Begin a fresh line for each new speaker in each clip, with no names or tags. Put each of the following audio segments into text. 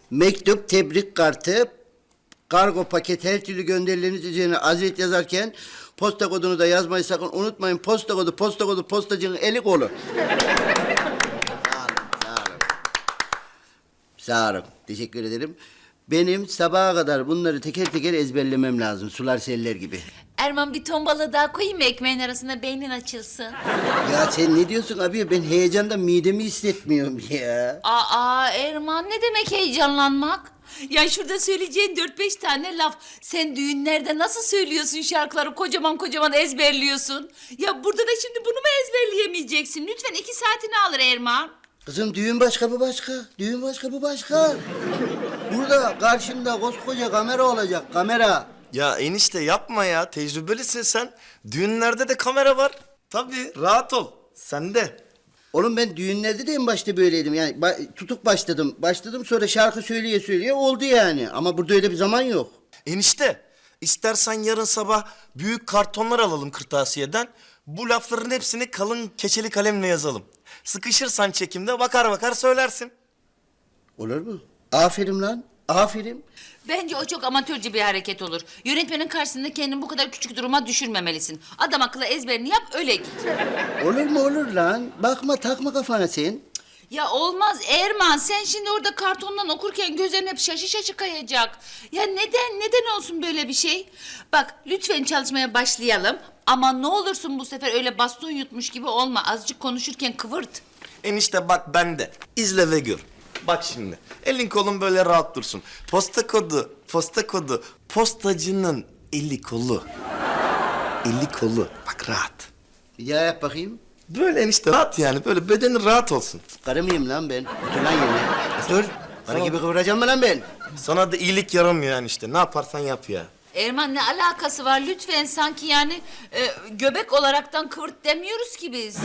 Mektup, tebrik kartı, kargo paket her türlü gönderileriniz üzerine azet yazarken posta kodunu da yazmayı sakın unutmayın. Posta kodu, postacının eli kolu. Sağ olun. Sağ olun. Teşekkür ederim. Benim sabaha kadar bunları teker teker ezberlemem lazım. Sular seller gibi.
Erman bir ton balığı daha koyayım mı ekmeğin arasına beynin açılsın?
Ya sen ne diyorsun abi? Ben heyecandan midemi hissetmiyorum ya.
Aa Erman ne demek heyecanlanmak? Ya şurada söyleyeceğin 4-5 tane laf. Sen düğünlerde nasıl söylüyorsun şarkıları kocaman kocaman ezberliyorsun? Ya burada da şimdi bunu mu ezberleyemeyeceksin? Lütfen 2 saatini alır Erman.
Kızım düğün başka bu başka. Düğün başka bu başka. Burada karşımda koskoca kamera olacak, kamera.
Ya enişte yapma ya. Tecrübelisin sen. Düğünlerde de kamera var. Tabii rahat ol. Sen de.
Oğlum ben düğünlerde de en başta böyleydim. Yani tutuk başladım. Başladım sonra şarkı söyleye söyleye oldu yani. Ama burada öyle bir zaman yok.
Enişte istersen yarın sabah büyük kartonlar alalım kırtasiyeden. Bu lafların hepsini kalın keçeli kalemle yazalım. Sıkışırsan çekimde bakar bakar söylersin.
Olur mu? Aferin lan. Aferin.
Bence o çok amatörce bir hareket olur. Yönetmenin karşısında kendini bu kadar küçük duruma düşürmemelisin. Adam akıllı ezberini yap öyle git.
Olur mu olur lan? Bakma takma kafana sen.
Ya olmaz Erman, sen şimdi orada kartondan okurken gözlerin hep şaşı şaşı kayacak. Ya neden olsun böyle bir şey? Bak lütfen çalışmaya başlayalım. Ama ne olursun bu sefer öyle baston yutmuş gibi olma. Azıcık konuşurken kıvırt.
Enişte bak ben de. İzle ve gör. Bak şimdi. Elin kolun böyle rahat dursun. Posta kodu, posta kodu. Postacının eli kolu. Eli kolu. Bak rahat.
Bir daha yap bakayım.
Böyle enişte rahat yani. Böyle bedenin rahat olsun.
Karı mıyım lan ben? Otur lan yerine. Otur. Karı gibi kıvıracağım mı lan ben?
Sana da iyilik yaramıyor yani işte. Ne yaparsan yap ya.
Erman ne alakası var lütfen sanki yani göbek olaraktan kıvırt demiyoruz ki biz.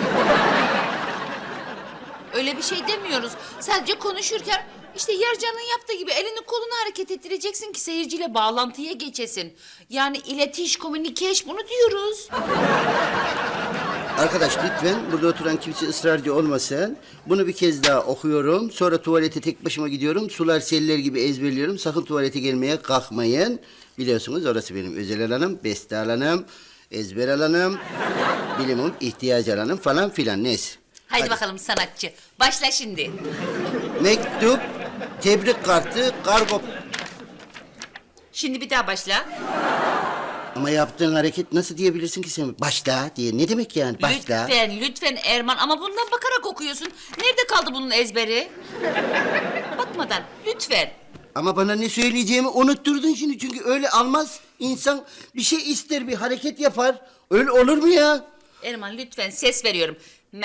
Öyle bir şey demiyoruz. Sadece konuşurken işte Yarcan'ın yaptığı gibi elini kolunu hareket ettireceksin ki seyirciyle bağlantıya geçesin. Yani iletiş, communication bunu diyoruz.
Arkadaş lütfen burada oturan kimse ısrarcı olmasın. Bunu bir kez daha okuyorum. Sonra tuvalete tek başıma gidiyorum. Sular seller gibi ezberliyorum. Sakın tuvalete gelmeye kalkmayın. Biliyorsunuz orası benim özel alanım, beste alanım, ezber alanım, bilimin ihtiyaç alanım falan filan neyse.
Haydi bakalım sanatçı. Başla şimdi.
Mektup, tebrik kartı, kargo...
Şimdi bir daha başla.
Ama yaptığın hareket nasıl diyebilirsin ki sen? Başla diye. Ne demek yani başla?
Lütfen Erman ama bundan bakarak okuyorsun. Nerede kaldı bunun ezberi? Bakmadan lütfen.
Ama bana ne söyleyeceğimi unutturdun şimdi. Çünkü öyle almaz. İnsan bir şey ister, bir hareket yapar. Öyle olur mu ya?
Erman lütfen ses veriyorum. Me.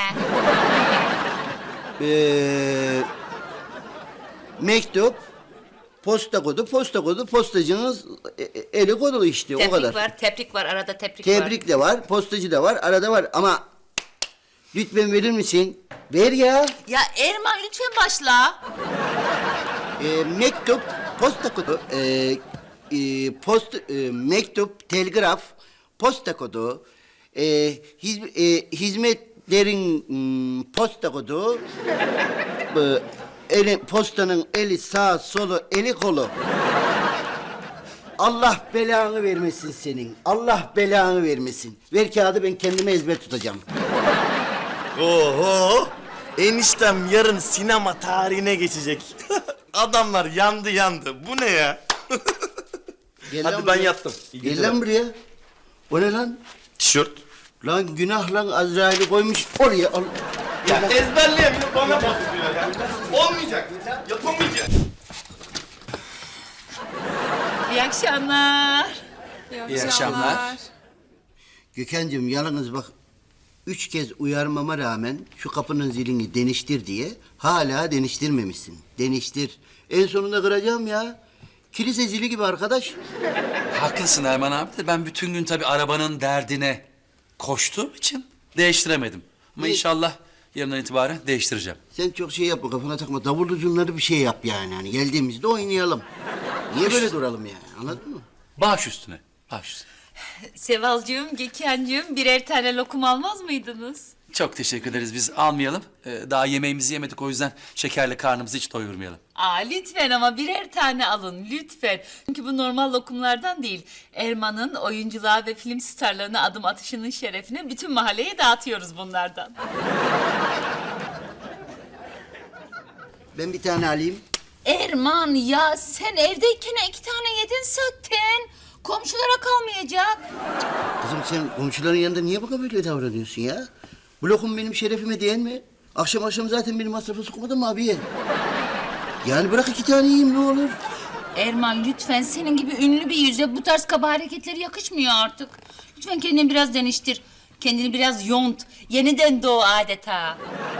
Mektup, posta kodu, postacınız eli kodulu işte o kadar.
Tebrik var, arada tebrik var.
Tebrik de var, postacı da var, arada var ama lütfen verir misin? Ver ya.
Ya Erman lütfen başla.
Mektup, posta kodu, mektup, telgraf, posta kodu, hizmetlerin posta kodu, postanın eli sağ solu eli kolu. Allah belanı vermesin senin. Allah belanı vermesin. Ver kağıdı ben kendime ezber tutacağım.
Oho! Eniştem yarın sinema tarihine geçecek. Adamlar yandı. Bu ne ya?
Gel lan
Hadi ben
buraya.
yattım. İyi
Gel
geceler.
lan buraya. O ne lan?
Tişört.
Lan günah lan Azrail'i koymuş oraya. Al.
Ya ezberleyemiyor bana basıyor ya. Olmayacak. Yapamayacak.
İyi akşamlar.
İyi akşamlar.
Gökhan'cığım yalnız bak 3 kez uyarmama rağmen şu kapının zilini deniştir diye hala deniştirmemişsin. Deniştir. En sonunda kıracağım ya. Kilise zili gibi arkadaş.
Haklısın Erman abi de ben bütün gün tabii arabanın derdine koştuğum için değiştiremedim. Ama
Ne?
inşallah yarından itibaren değiştireceğim.
Sen çok şey yapma kafana takma. Davullu zurnları bir şey yap yani. Hani geldiğimizde oynayalım. Niye böyle duralım yani anladın mı?
Baş üstüne, baş üstüne.
Sevalcığım, Gökhan'cığım birer tane lokum almaz mıydınız?
Çok teşekkür ederiz. Biz almayalım. Daha yemeğimizi yemedik, o yüzden şekerle karnımızı hiç doyurmayalım.
Aa, lütfen ama birer tane alın lütfen. Çünkü bu normal lokumlardan değil. Erman'ın oyunculuğa ve film starlarına adım atışının şerefine bütün mahalleye dağıtıyoruz bunlardan.
Ben bir tane alayım.
Erman ya sen evdeyken 2 tane yedin zaten. Komşulara kalmayacak.
Kızım sen komşuların yanında niye bana böyle davranıyorsun ya? Bu lokum benim şerefime değil mi? Akşam akşam zaten benim masrafa sokmadın mı abiye? Yani bırak 2 tane yiyeyim ne olur.
Erman lütfen senin gibi ünlü bir yüze bu tarz kaba hareketleri yakışmıyor artık. Lütfen kendini biraz değiştir. Kendini biraz yont. Yeniden doğ adeta.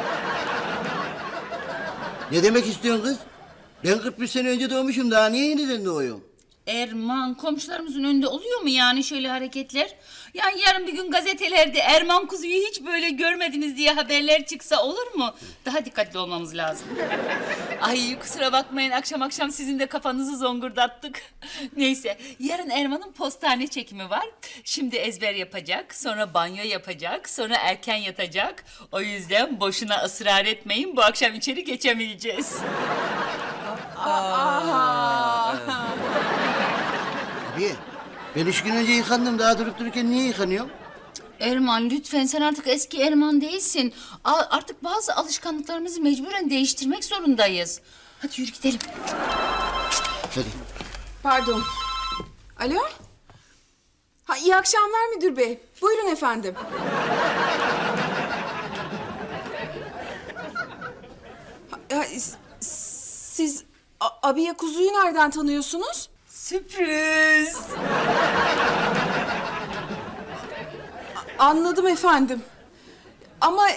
Ne demek istiyorsun kız? Ben 41 sene önce doğmuşum, daha niye yeniden doğuyorum?
Erman komşularımızın önünde oluyor mu yani şöyle hareketler? Yani yarın bir gün gazetelerde Erman kuzuyu hiç böyle görmediniz diye haberler çıksa olur mu? Daha dikkatli olmamız lazım. Ay kusura bakmayın akşam akşam sizin de kafanızı zongurdattık. Neyse yarın Erman'ın postane çekimi var. Şimdi ezber yapacak, sonra banyo yapacak, sonra erken yatacak. O yüzden boşuna ısrar etmeyin, bu akşam içeri geçemeyeceğiz.
Abi ben 3 gün önce yıkandım, daha durup dururken niye yıkanıyorum?
Erman lütfen sen artık eski Erman değilsin. Artık bazı alışkanlıklarımızı mecburen değiştirmek zorundayız. Hadi yürü gidelim.
Hadi.
Pardon. Alo? Ha, iyi akşamlar müdür bey. Buyurun efendim. Siz abiye kuzuyu nereden tanıyorsunuz?
Sürpriz.
Anladım efendim. Ama...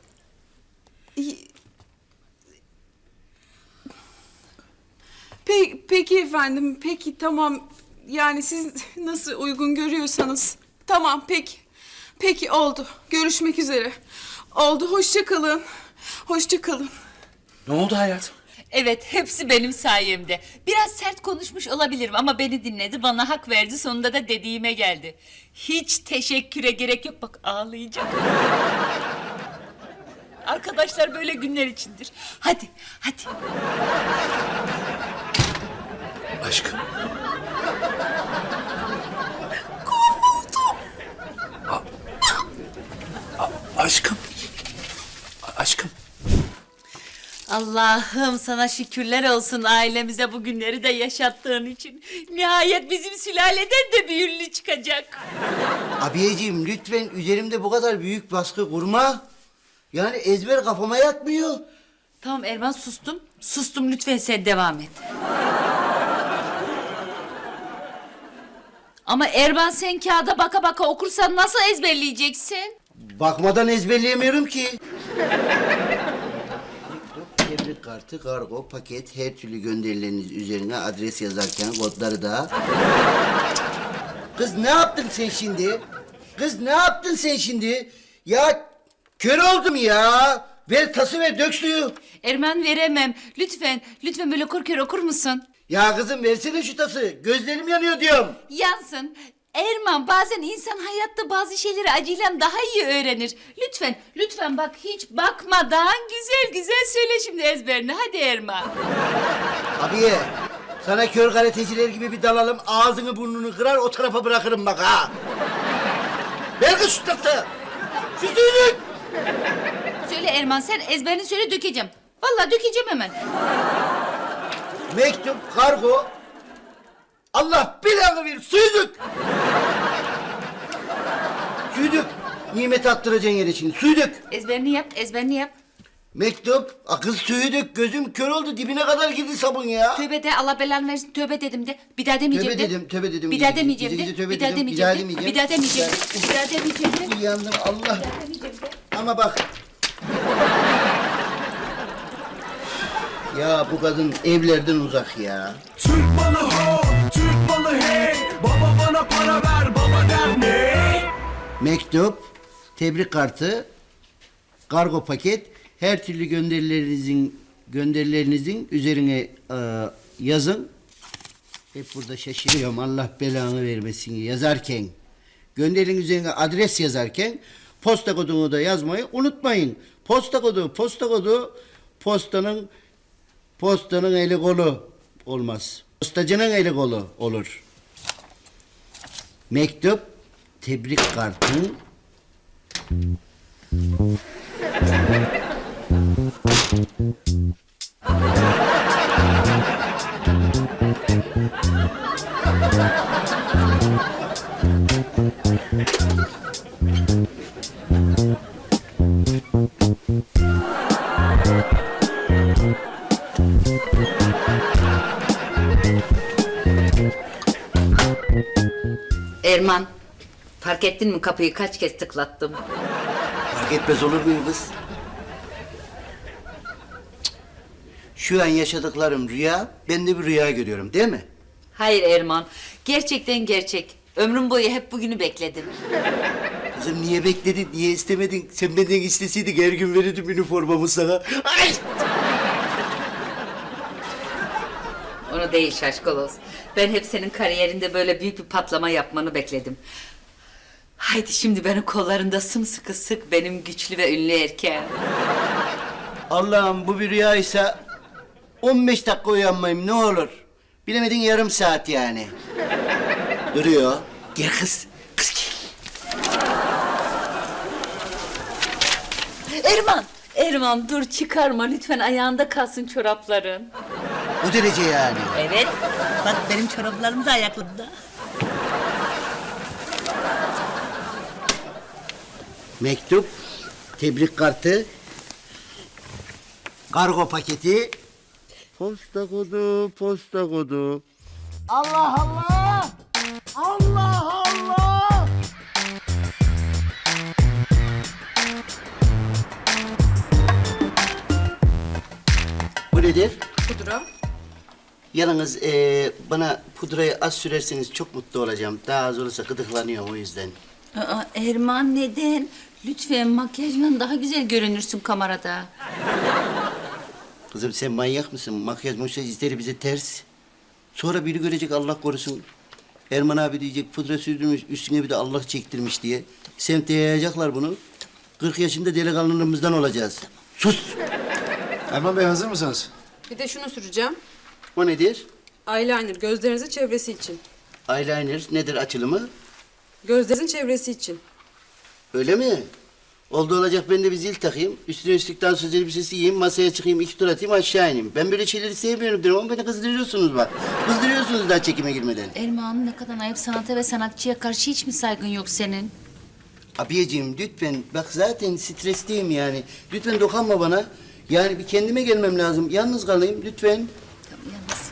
Peki efendim, peki tamam. Yani siz nasıl uygun görüyorsanız. Tamam, peki. Peki, oldu. Görüşmek üzere. Oldu, hoşça kalın. Hoşça kalın.
Ne oldu hayatım?
Evet hepsi benim sayemde. Biraz sert konuşmuş olabilirim ama beni dinledi, bana hak verdi, sonunda da dediğime geldi. Hiç teşekküre gerek yok, bak ağlayacak. Arkadaşlar böyle günler içindir. Hadi, hadi.
Aşkım. Aşkım. Aşkım.
Allah'ım sana şükürler olsun ailemize bu günleri de yaşattığın için. Nihayet bizim sülaleden de bir ünlü çıkacak.
Abiyeciğim lütfen üzerimde bu kadar büyük baskı kurma. Yani ezber kafama yatmıyor.
Tamam Erman sustum. Sustum lütfen sen devam et. Ama Erman sen kağıda baka baka okursan nasıl ezberleyeceksin?
Bakmadan ezberleyemiyorum ki. Tebrik kartı, kargo, paket, her türlü gönderileriniz üzerine adres yazarken kodları da... Kız ne yaptın sen şimdi? Kız ne yaptın sen şimdi? Ya kör oldum ya. Ver tası ver, dök suyu.
Erman veremem. Lütfen, lütfen böyle korkuyor okur musun?
Ya kızım versene şu tası. Gözlerim yanıyor diyorum.
Yansın. Erman bazen insan hayatta bazı şeyleri acıyla daha iyi öğrenir. Lütfen, lütfen bak hiç bakmadan güzel güzel söyle şimdi ezberini. Hadi Erman.
Abiye, sana kör karateciler gibi bir dalalım. Ağzını burnunu kırar o tarafa bırakırım bak ha. Ver kız şu tası. Şu suyu.
Söyle Erman sen ezberini söyle dökeceğim. Vallahi dökeceğim hemen.
Mektup, kargo. Allah belanı ver, suyu dök. Suyu dök. Nimet attıracaksın yere şimdi, suyu dök.
Ezberini yap, ezberini yap.
Mektup, kız suyu dök. Gözüm kör oldu, dibine kadar girdi sabun ya.
Tövbe de Allah belanı versin tövbe dedim de. Bir daha demeyeceğim de.
Tövbe dedim.
Bir daha demeyeceğim
Gece
de.
gece tövbe
Bir daha
dedim,
demeyeceğim de.
demeyeceğim.
Bir daha demeyeceğim de. Bir daha demeyeceğim de.
Uyandım Allah.
Demeyeceğim de.
Ama bak. Ya bu kadın evlerden uzak ya.
Türk malı ho, Türk malı hey. Baba bana para ver, baba der ne?
Mektup, tebrik kartı, kargo paket, her türlü gönderilerinizin üzerine yazın. Hep burada şaşırıyorum Allah belanı vermesin yazarken. Gönderin üzerine adres yazarken Posta kodunu da yazmayı unutmayın. Posta kodu, postanın eli kolu olmaz. Postacının eli kolu olur. Mektup, tebrik kartı.
Erman, fark ettin mi kapıyı kaç kez tıklattım?
Fark etmez olur muyum kız? Cık. Şu an yaşadıklarım rüya, ben de bir rüya görüyorum değil mi?
Hayır Erman, gerçekten gerçek. Ömrüm boyu hep bugünü bekledim.
Kızım niye bekledin, niye istemedin? Sen benden isteseydin her gün verirdim üniformamı sana. Ay!
Onu değil şaşkaloz. Ben hep senin kariyerinde böyle büyük bir patlama yapmanı bekledim. Haydi şimdi beni kollarında sımsıkı sık benim güçlü ve ünlü erkeğim.
Allah'ım bu bir rüyaysa 15 dakika uyanmayayım ne olur. Bilemedin yarım saat yani. Duruyor. Gel kız. Kız gel.
Erman dur çıkarma lütfen ayağında kalsın çorapların.
Bu derece yani.
Evet. Bak benim çoraplarım da ayaklarımda.
Mektup, tebrik kartı, kargo paketi, posta kodu. Allah Allah! Allah Allah! Bu nedir?
Pudra.
Yalnız bana pudrayı az sürerseniz çok mutlu olacağım. Daha az olursa gıdıklanıyorum o yüzden.
Aa, Erman neden? Lütfen makyajla daha güzel görünürsün kamerada.
Kızım sen manyak mısın? Makyaj izleri bize ters. Sonra biri görecek Allah korusun. Erman abi diyecek pudra sürdürmüş üstüne bir de Allah çektirmiş diye. Semte yayacaklar bunu. 40 yaşında delikanlılığımızdan olacağız. Sus!
Erman Bey hazır mısınız?
Bir de şunu süreceğim.
O nedir?
Eyeliner gözlerinizin çevresi için.
Eyeliner nedir açılımı?
Gözlerinizin çevresi için.
Öyle mi? Oldu olacak ben de bir zil takayım. Üstüne üstlük dansöz elbisesi giyeyim. Masaya çıkayım 2 tur atayım aşağı ineyim. Ben böyle şeyleri sevmiyorum diyorum ama beni kızdırıyorsunuz bak. Kızdırıyorsunuz daha çekime girmeden.
Erman ne kadar ayıp sanata ve sanatçıya karşı hiç mi saygın yok senin?
Abiyeciğim lütfen bak zaten stresteyim yani. Lütfen dokunma bana. Yani bir kendime gelmem lazım. Yalnız kalayım lütfen.
Tamam, yalnız.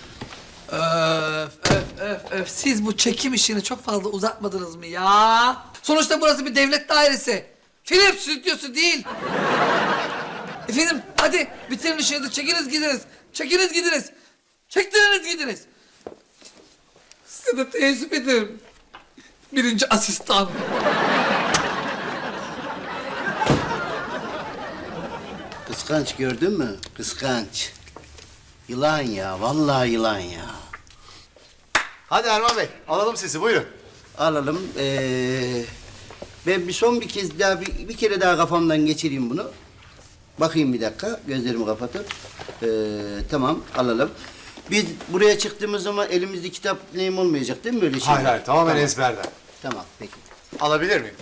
Öf. Siz bu çekim işini çok fazla uzatmadınız mı ya? Sonuçta burası bir devlet dairesi. Film stüdyosu değil. Efendim hadi bitirin işinizi çekiniz gidiniz. Çekiniz gidiniz. Çektiriniz gidiniz. Size de teessüf ederim. Birinci asistan.
Kıskanç gördün mü? Kıskanç. Yılan ya, vallahi yılan ya.
Hadi Erman Bey alalım sizi buyurun.
Alalım. Ben bir kez daha bir kere daha kafamdan geçireyim bunu. Bakayım bir dakika, gözlerimi kapatıp. Tamam, alalım. Biz buraya çıktığımız zaman elimizde kitap neyim olmayacak değil mi böyle şey?
Hayır tamamen ezberden.
Tamam, peki.
Alabilir miyim?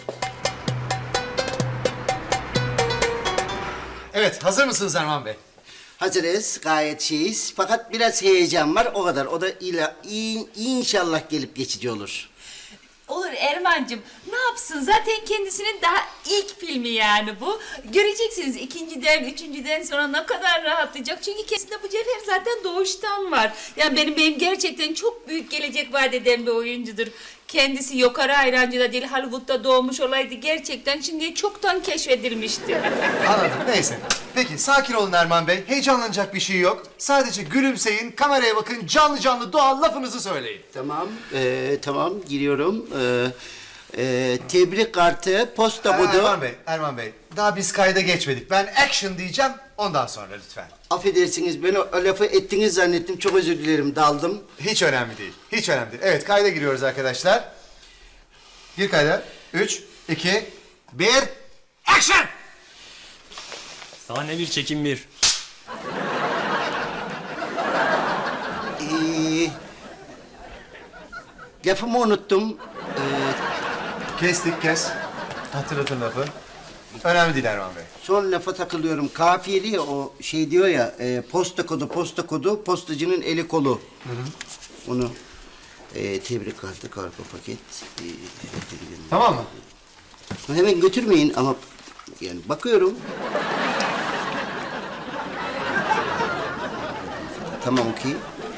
Evet hazır mısınız Erman Bey?
Hazırız, gayet şeyiz. Fakat biraz heyecan var, o kadar. O da inşallah gelip geçici olur.
Olur Erman'cığım. Ne yapsın? Zaten kendisinin daha ilk filmi yani bu. Göreceksiniz ikinciden, üçüncüden sonra ne kadar rahatlayacak. Çünkü kendisinde bu cevher zaten doğuştan var. Yani benim gerçekten çok büyük gelecek vaat eden bir oyuncudur. Kendisi Yokara Ayrancı da değil, Hollywood'da doğmuş olaydı. Gerçekten şimdiye çoktan keşfedilmişti.
Anladım neyse. Peki sakin olun Erman Bey. Heyecanlanacak bir şey yok. Sadece gülümseyin, kameraya bakın, canlı canlı doğal lafınızı söyleyin.
Tamam, tamam giriyorum. Tebrik kartı, posta kodu.
Erman Bey. Daha biz kayda geçmedik. Ben action diyeceğim, ondan sonra lütfen.
Affedersiniz, ben o lafı ettiniz zannettim. Çok özür dilerim, daldım.
Hiç önemli değil, hiç önemli değil. Evet, kayda giriyoruz arkadaşlar. Gir kayda. 3, 2, 1, action!
Sahne 1, çekim 1.
Lafımı unuttum.
Kes. Hatırlatın lafı. Önemli değil Erman Bey.
Son lafa takılıyorum. Kafiyeli ya, o şey diyor ya, posta kodu, postacının eli kolu. Onu tebrik kartı, kargo paket.
Tamam mı?
Hemen götürmeyin ama yani bakıyorum. Tamam, okey.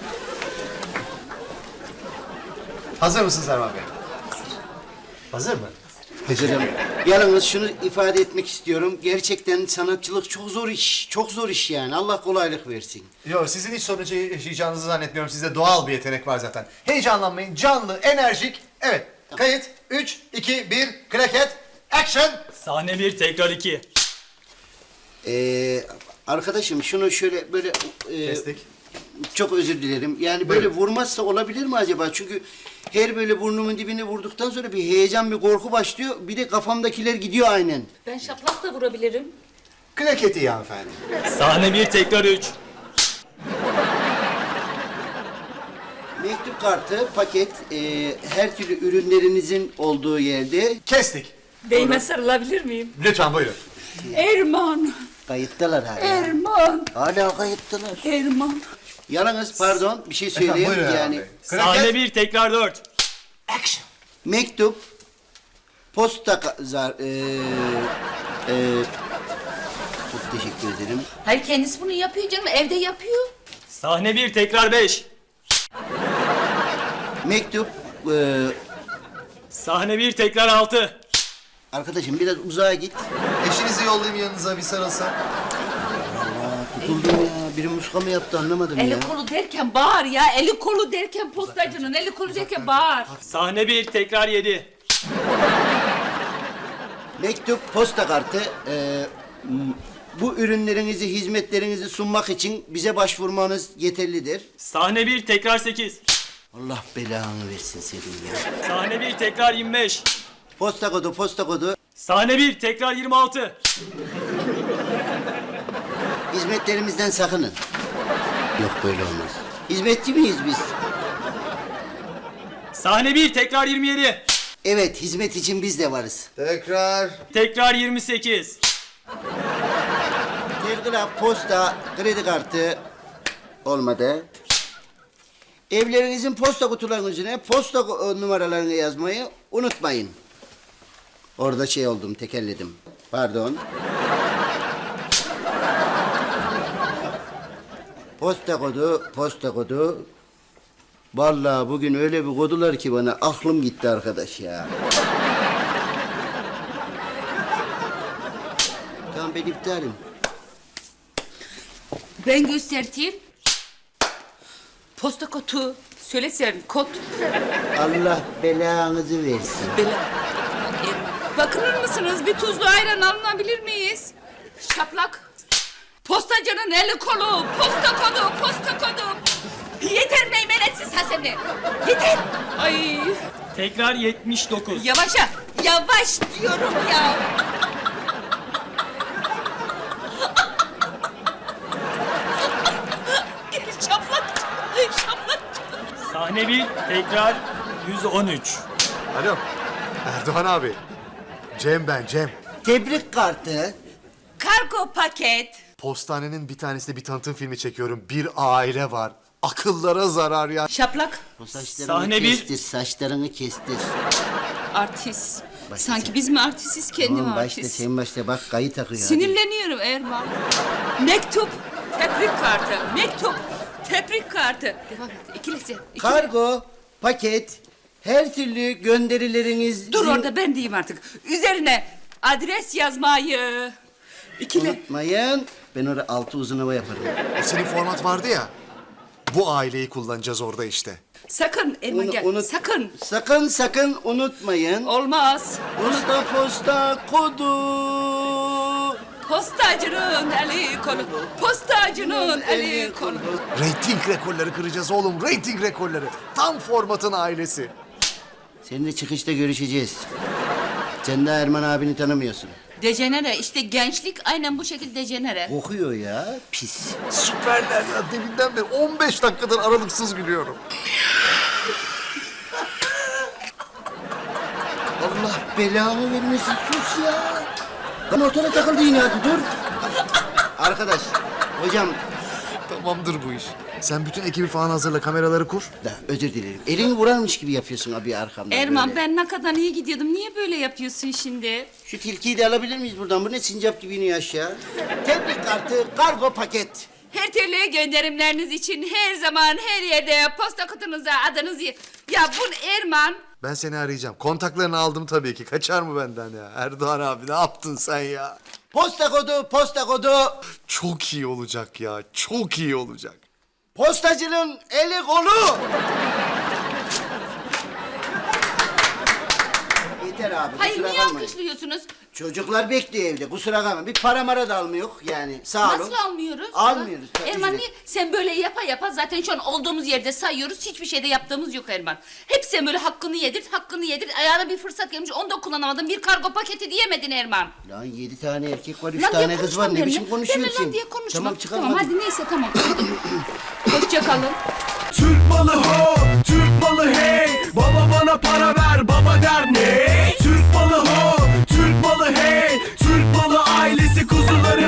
Hazır mısınız Erman Bey? Hazır mı?
Hazırım. Yalnız şunu ifade etmek istiyorum. Gerçekten sanatçılık çok zor iş. Çok zor iş yani. Allah kolaylık versin.
Yok, sizin hiç sorun yaşayacağınızı zannetmiyorum. Sizde doğal bir yetenek var zaten. Heyecanlanmayın, canlı, enerjik. Evet, kayıt. 3, 2, 1, klaket, action!
Sahne 1, tekrar 2.
Arkadaşım şunu şöyle böyle...
Kestik.
Çok özür dilerim. Yani böyle vurmazsa olabilir mi acaba? Çünkü her böyle burnumun dibine vurduktan sonra bir heyecan, bir korku başlıyor. Bir de kafamdakiler gidiyor aynen.
Ben şaplakla vurabilirim.
Klaket iyi hanımefendi.
Sahne 1, tekrar 3.
Mektup kartı, paket, her türlü ürünlerinizin olduğu yerde
Kestik.
Beyime sarılabilir miyim?
Lütfen buyurun.
Erman,
kayıttalar hala.
Erman,
Hala kayıttalar.
Erman.
Yalnız pardon bir şey
Efendim,
söyleyeyim
buyurun
yani.
Erman Bey.
Sahne
Klaket,
1, tekrar 4.
action!
Mektup, posta çok teşekkür ederim.
Hayır, kendisi bunu yapıyor canım, evde yapıyor.
Sahne 1, tekrar 5.
Mektup,
Sahne 1, tekrar 6.
arkadaşım biraz uzağa git.
Eşinizi yollayayım yanınıza bir sarılsa.
Tutuldum ya. Biri muska mı yaptı anlamadım ya.
Eli kolu derken bağır ya, eli kolu derken postacının, eli kolu derken bağır.
Sahne 1, tekrar 7.
Mektup, posta kartı. Bu ürünlerinizi, hizmetlerinizi sunmak için bize başvurmanız yeterlidir.
Sahne 1, tekrar 8.
Allah belanı versin senin ya.
Sahne 1, tekrar 25.
Posta kodu.
Sahne 1, tekrar 26.
Hizmetlerimizden sakının. Yok böyle olmaz. Hizmetçi miyiz biz?
Sahne 1, tekrar 27.
Evet, hizmet için biz de varız.
Tekrar.
Tekrar 28.
Telgraf, posta, kredi kartı olmadı. Evlerinizin posta kutularının üzerine posta numaralarını yazmayı unutmayın. Orada şey oldum, tekelledim. Pardon. Posta kodu. Vallahi bugün öyle bir kodular ki bana aklım gitti arkadaş ya. Tamam ben iptalim.
Ben göstereyim. Posta kodu. Söylesen kod.
Allah belanızı versin.
Bakınır mısınız? Bir tuzlu ayran alınabilir miyiz? Şaplak. Postacının eli kolu. Posta kodu. Yeter meymenetsiz Hasan'ı. Yeter. Ay.
Tekrar 79.
Yavaş diyorum ya. Şaplak.
Sahne 1, tekrar 113.
Alo. Erdoğan abi. Cem ben, Cem.
Tebrik kartı.
Kargo paket.
Postanenin bir tanesinde bir tanıtım filmi çekiyorum. Bir aile var. Akıllara zarar ya.
Şaplak.
O saçlarını
Sahne bir.
kestir, saçlarını kestir.
Artist.
Başla
Sanki
sen.
biz mi artistiz, kendi
Tamam
mi
başla,
artist?
sen başla. Bak kayı takıyor. hadi.
Sinirleniyorum Erman. Mektup, tebrik kartı. Devam et. İkilisi.
Kargo, paket, her türlü gönderileriniz...
Dur orada, ben diyeyim artık. Üzerine adres yazmayı. İkile.
Unutmayın. Ben orada altı uzun hava yaparım.
Senin format vardı ya. Bu aileyi kullanacağız orada işte.
Sakın Erman gel. Sakın.
Sakın unutmayın.
Olmaz.
Posta kodu.
Postacının eli kolu.
Rating rekorları kıracağız oğlum. Rating rekorları. Tam formatın ailesi.
Seninle çıkışta görüşeceğiz. Sen de Erman abini tanımıyorsun.
Dejenere işte gençlik aynen bu şekilde dejenere.
Kokuyor ya, pis.
Süperler ya. Deminden beri 15 dakikadır aralıksız gülüyorum.
Allah belanı vermesin, sus ya. Lan ortada takıldı yine, hadi dur. Arkadaş, hocam
Tamamdır bu iş. Sen bütün ekibi falan hazırla, kameraları kur.
da özür dilerim. Elini vurarmış gibi yapıyorsun abi arkamdan
Erman
böyle.
ben ne kadar iyi gidiyordum. Niye böyle yapıyorsun şimdi?
Şu tilkiyi de alabilir miyiz buradan? Bu ne sincap gibi iniyor aşağı. Tebrik kartı, kargo paket.
Her türlü gönderimleriniz için her zaman her yerde posta kutunuza adınızı... Ya bu Erman...
Ben seni arayacağım. Kontaklarını aldım tabii ki. Kaçar mı benden ya? Erdoğan abi ne yaptın sen ya?
Posta kodu, posta kodu.
Çok iyi olacak ya. Çok iyi olacak.
Postacının eli kolu. Yeter abi,
Hayır
kusura
niye
kalmayın.
alkışlıyorsunuz?
Çocuklar bekliyor evde, kusura kalma. Bir para mara da almıyor yani, sağ olun.
Nasıl almıyoruz?
Almıyoruz. tabii
Erman
ki.
niye? Sen böyle yapa yapa zaten şu an olduğumuz yerde sayıyoruz. Hiçbir şeyde yaptığımız yok Erman. Hep sen böyle hakkını yedirt. Ayağına bir fırsat gelmiş onu da kullanamadın. Bir kargo paketi diyemedin Erman.
Lan 7 tane erkek var, 3
Lan diye
tane kız var.
konuşma
Ne biçim
benimle.
konuşuyorsun?
Benimle lan diye konuşma.
Tamam çıkalım
Tamam
hadi.
hadi neyse tamam. Hoşça kalın.
Türk malı ho, Türk malı hey. Baba bana para ver, baba der ne? Türk malı ho, Türk malı hey. Türk malı ailesi kuzuları